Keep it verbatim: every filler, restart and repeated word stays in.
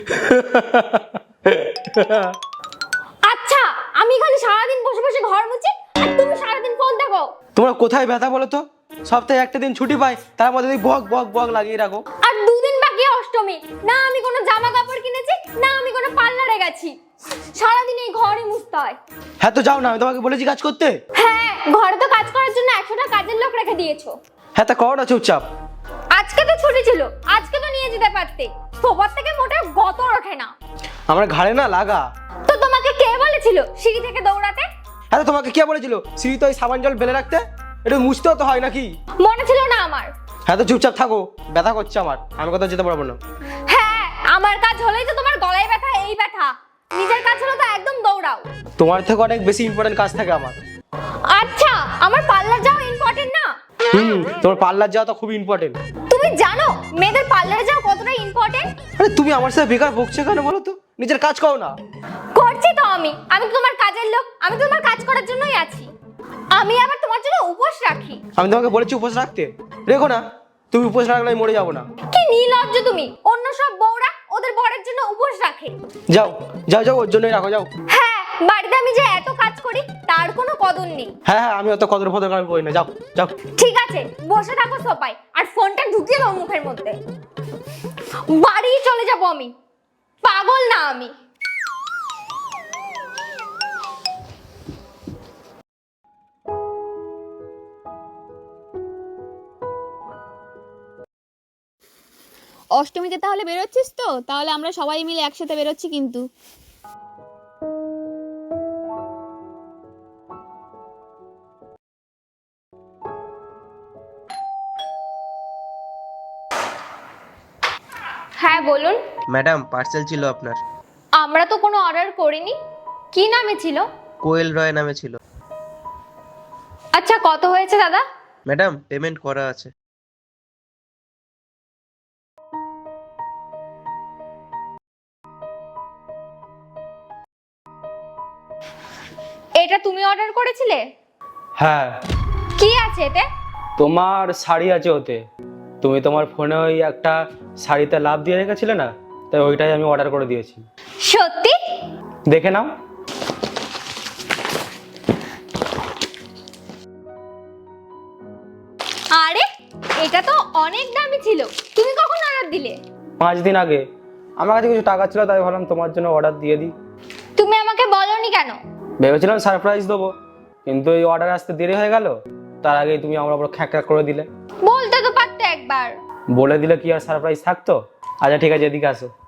আচ্ছা, আমি খালি সারাদিন বসে বসে ঘর মুছি আর তুমি সারাদিন ফোন দেখো। তোমরা কোথায় ব্যথা বলো তো? সপ্তাহে একটা দিন ছুটি পাই, তার মধ্যে বক বক বক লাগিয়ে রাখো। আর দুদিন বাকি অষ্টমী, না আমি কোনো জামা কাপড় কিনেছি, না আমি কোনো পার্লারে গেছি। সারাদিন এই ঘরে মুছতে হয়। হ্যাঁ তো যাও না, আমি তোমাকে বলেছি কাজ করতে। হ্যাঁ, ঘরে তো কাজ করার জন্য একশোটা কাজের লোক রেখে দিয়েছো। হ্যাঁ তা করো না চুপচাপ। আজকে তো ছুটি ছিল, আজকে তো নিয়ে যেতে পারতে। সোফার থেকে মোটেও গতর ওঠে না। আমার ঘাড়ে না লাগা। তো তোমাকে কে বলেছিল সিঁড়ি থেকে দৌড়াতে? হ্যাঁ তোমাকে কে বলেছিল সিঁড়িতে ওই সাবান জল ফেলে রাখতে? একটু মুছতেও তো হয় নাকি? মনে ছিল না আমার। হ্যাঁ তো চুপচাপ থাকো, ব্যথা করছে আমার, আমি কোথাও যেতে পারবো না। হ্যাঁ, আমার কাজ হলেই তো তোমার গলায় ব্যথা, এই ব্যথা। নিজের কাজ হলো তো একদম দৌড়াও। তোমার থেকে অনেক বেশি ইম্পর্টেন্ট কাজ থাকে আমার। আচ্ছা, আমার পার্লার যাওয়া ইম্পর্টেন্ট না? হুম, তোমার পার্লার যাওয়া তো খুব ইম্পর্টেন্ট। তুমি জানো মেয়েদের পার্লারে যাওয়া কতটা ইম্পর্টেন্ট? আরে তুমি আমার সাথে বেকার বকছো কেন বলো তো? নিজের কাজ করো না। করছি তো আমি, আমি তো তোমার কাজের লোক, আমি তো তোমার কাজ করার জন্যই আছি। আমি আবার তোমার জন্য উপোস রাখি। আমি তোমাকে বলেছি উপোস রাখতে, রেখো না। তুমি উপোস রাখলে আমি মরে যাবো না। কি নির্লজ্জ তুমি! অন্য সব বউরা ওদের বরের জন্য উপোস রাখে। যাও যাও যাও, ওর জন্যই রাখো, যাও। হ্যাঁ, বাড়িতে আমি যে এত কাজ করি তার কোনো কদর নেই। হ্যাঁ হ্যাঁ, আমি অত কদর ফদর আমি করি না, যাও যাও। ঠিক আছে, বসে থাকো সোফায় আর ফোনটা ঢুকিয়ে দাও মুখের মধ্যে। বাড়ি চলে যাবো আমি, পাগল না আমি। অষ্টমীতে তাহলে বেরোচ্ছিস তো? তাহলে আমরা সবাই মিলে একসাথে বেরোচ্ছি কিন্তু। হ্যাঁ বলুন। ম্যাডাম, পার্সেল ছিল আপনার। আমরা তো কোনো অর্ডার করিনি। কি নামে ছিল? কোয়েল রয় নামে ছিল। আচ্ছা, কত হয়েছে দাদা? ম্যাডাম, পেমেন্ট করা আছে। এটা তুমি অর্ডার করেছিলে? হ্যাঁ। কি আছে এতে? তোমার শাড়ি আছে ওতে। তুমি তোমার ফোনে ওই একটা শাড়িতে লাভ দিয়ে রেখেছিলে না, তাই ওইটাই আমি অর্ডার করে দিয়েছি। সত্যি? দেখে নাও। আরে, এটা তো অনেক দামি ছিল। তুমি কখন অর্ডার দিলে? পাঁচ দিন আগে। আমার কাছে কিছু টাকা ছিল, তাই ভাবলাম তোমার জন্য অর্ডার দিয়ে দিই। তুমি আমাকে বলনি কেন? ভেবেছিলাম সারপ্রাইজ দেবো, কিন্তু এই অর্ডার আসতে দেরি হয়ে গেল। তার আগেই তুমি আমার উপর খ্যাঁক করে দিলে। বলতে তো পারতে একবার। বলে দিলে কি আর সারপ্রাইজ থাকতো? আচ্ছা ঠিক আছে, এদিকে আসো।